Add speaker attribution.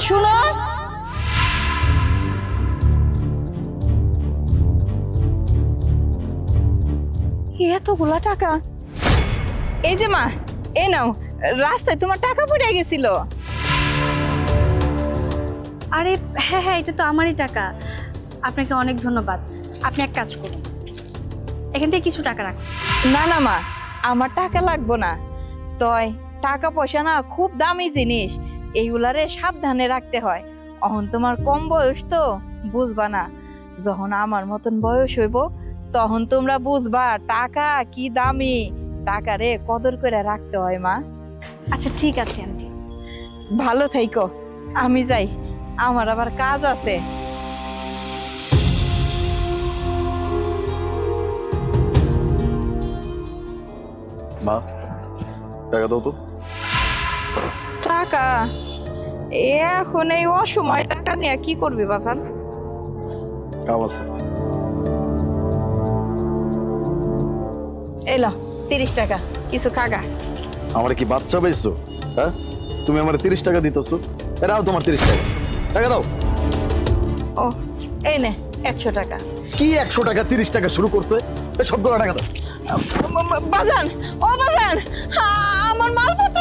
Speaker 1: শুনো, এতগুলা টাকা। এই যে মা, এই নাও, রাস্তায় তোমার টাকা পড়ে গেছিল।
Speaker 2: আরে হ্যাঁ হ্যাঁ, এটা তো আমারই টাকা। আপনাকে অনেক ধন্যবাদ। আপনি এক কাজ করুন, এখান থেকে কিছু টাকা রাখুন।
Speaker 1: না না মা, আমার টাকা লাগবো না। তয় টাকা পয়সা না খুব দামি জিনিস, এইগুলারে সাবধানে রাখতে হয়। অহন তোমার কম বয়স তো, বুঝবা না। যখন আমার মতন বয়স হইব তখন তোমরা বুঝবা টাকা কি দামি, টাকারে কদর করে রাখতে হয় মা।
Speaker 2: আচ্ছা ঠিক আছে আন্টি।
Speaker 1: ভালো থাইকো, আমি যাই, আমার আবার কাজ আছে।
Speaker 3: মা, টাকা দাও তো।
Speaker 1: টাকা? এখন এই অসময় টাকা নিয়ে কি করবি বাজান?
Speaker 3: কাম আছে।
Speaker 1: এলো 30 টাকা, কিছু খাগা।
Speaker 3: আমার কি বাচ্চা পাইছো? হ্যাঁ, তুমি আমার 30 টাকা দিতেছো, এরাও তোমার 30 টাকা। টাকা দাও।
Speaker 1: ও এই নে 100 টাকা।
Speaker 3: কি 100 টাকা 30 টাকা শুরু করছে? সবগুলো টাকা দাও।
Speaker 1: বাজান, ও বাজান, আমার মালপত্র